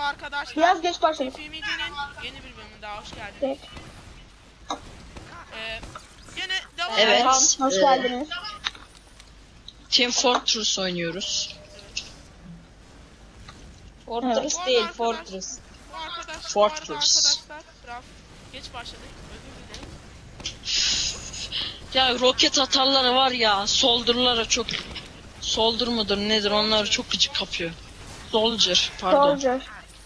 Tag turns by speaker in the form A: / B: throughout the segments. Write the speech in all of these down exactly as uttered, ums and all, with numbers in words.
A: Merhaba arkadaşlar.
B: Biraz geç başladık.
A: TFMC'nin yeni bir bölümüne daha hoş geldiniz.
B: Evet.
A: Ee, yine devam
C: Evet.
A: edelim.
B: Tamam, hoş
C: Ee,
B: geldiniz.
C: Team Fortress oynuyoruz.
D: Fortress
A: Evet.
D: değil,
A: Bu
D: Fortress.
A: Bu arkadaş,
C: Fortress.
A: bu arada arkadaşlar biraz geç başladık. Özür dilerim.
C: Ya roket atarları var ya, soldurlara çok... Soldur mudur nedir, onları çok gıcık kapıyor. Soldier, pardon.
B: Soldier.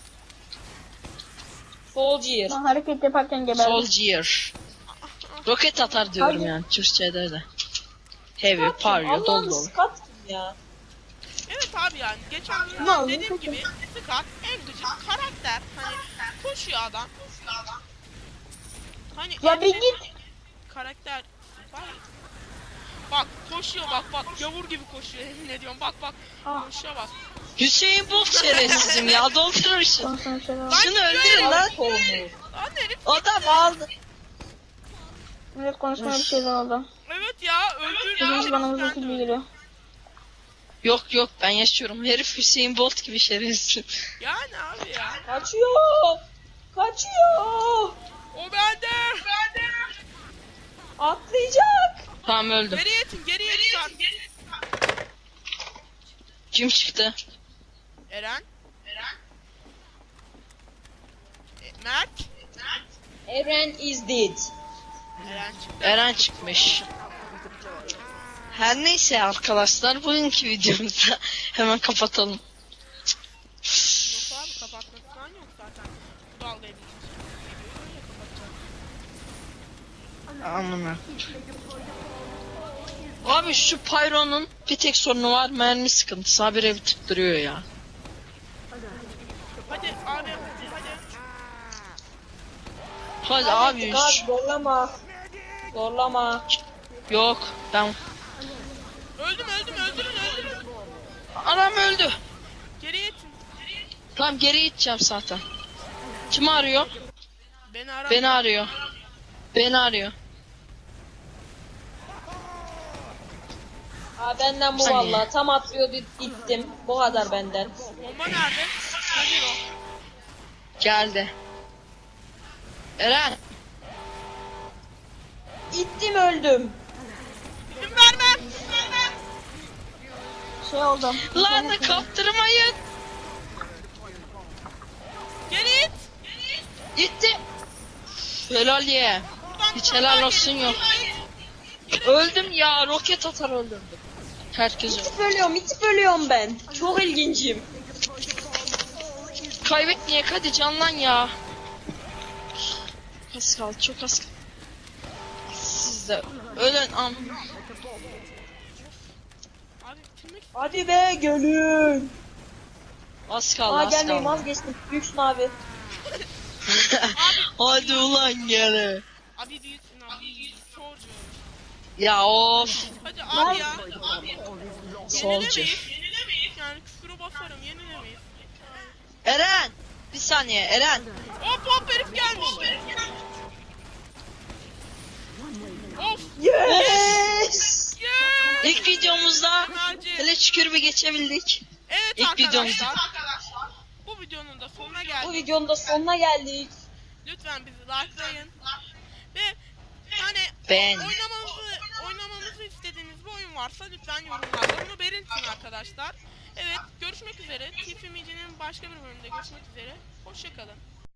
D: Soldier.
B: Ben hareket yaparken geberdim.
C: Soldier. Roket atar diyorum
B: Hadi.
C: yani, Türkçe'de de. Heavy, parlıyor, dolu
D: Allah'ım
C: dolu.
D: Scott kim ya?
A: Evet abi yani geçen gün
B: Ne oldu?
A: dediğim gibi Scott en gıcık karakter. Hani koşuyor adam. Hani
B: Ya
A: en
B: bir
A: şey-
B: git.
A: karakter var. Bak koşuyor bak bak gavur gibi koşuyor emin ediyorum bak bak
B: Ah.
A: koşuyor bak.
C: Hüseyin Bolt şerefsizim ya, doldurursun.
B: Konuşma bir şey var.
C: Şunu öldürün lan.
A: Lan herif
C: Adam aldı.
B: Evet, konuşmaya bir şeyler oldu.
A: evet ya öldürdü.
B: Bizim bana
A: herif
B: mızık
A: kendi
B: gibi
A: öldü.
B: geliyor.
C: Yok yok, ben yaşıyorum. Herif Hüseyin Bolt gibi şerefsiz.
A: Yani abi ya.
D: Kaçıyor. Kaçıyor.
A: O bende. Bende.
D: Atlayacak.
C: Tamam, öldüm.
A: Geriye itin geriye itin.
C: Kim çıktı?
A: Eren. Eren. E, Mert.
D: Eren is dead.
A: Eren çıktı.
C: Eren çıkmış. Her neyse arkadaşlar, bugünkü videomuzu hemen kapatalım.
A: Yok abi kapatmak falan yok zaten. Bu dalgayı bilince. Videoyu öyle kapatacağız.
C: Anlamıyorum. Abi şu Pyro'nun bir tek sorunu var, mermi sıkıntısı. Habire bir tıktırıyor ya.
A: Hadi abi hadi.
C: Hadi abi.
D: Abi
C: şu-
D: zorlama. Zorlama.
C: Yok ben.
A: Öldüm öldüm öldürün öldürün.
C: Anam öldü.
A: Geriye itin.
C: Tamam, geri gideceğim zaten. Kim arıyor?
A: Beni ara.
C: Beni arıyor. Beni arıyor.
D: Aa, benden bu
C: Saniye.
D: vallahi. Tam atlıyordu gittim. Bu kadar benden.
A: Bomba nerede? Nedir o?
C: Geldi. Eren.
D: Gittim öldüm.
A: İzin vermem. Vermem.
B: Şey oldu.
C: Lan kaptırmayın.
A: Geri it.
C: Gitti. Helal ye.
A: Buradan
C: Hiç
A: bir tane
C: helal
A: daha
C: olsun
A: geri-
C: yok.
A: Geri it.
C: Öldüm ya, roket atar öldürdüm. Herkes öldü.
D: İtip ölüyorum, itip ölüyorum ben. Çok ilgincim.
C: Kaybetmeyek hadi, canlan ya. Az kaldı, çok az kaldı. Siz de ölün am.
A: Abi bitirmek
D: Hadi be gölüm.
C: Az kaldı,
D: Aa
C: az
D: gelmeyin
C: kaldı.
D: vazgeçtim. Büyüksün abi.
C: Hadi ulan gene.
A: Abi büyüksün abi. Çocuğum.
C: Ya of.
A: Hadi abi ya.
C: Soldier.
A: Yenilemeyiz. Yenilemeyiz. Yani küfürü basarım yenilemeyiz.
C: Eren. Bir saniye Eren.
A: Hop hop herif gelmiş. Of.
D: Yes.
A: Yeah.
C: İlk videomuzda
A: Merci.
C: hele şükür bir geçebildik.
A: Evet
C: İlk
A: arkadaşlar.
C: videomuz.
A: Bu videonun da sonuna
D: Bu
A: geldik.
D: videonun da sonuna geldik.
A: Lütfen bizi likelayın. Ve hani
C: Beğen.
A: oynamamızı, oynamamızı istediğiniz bir oyun varsa lütfen yorumlarda bunu belirtin arkadaşlar. Evet görüşmek üzere. TFMC'nin başka bir bölümünde görüşmek üzere. Hoşçakalın.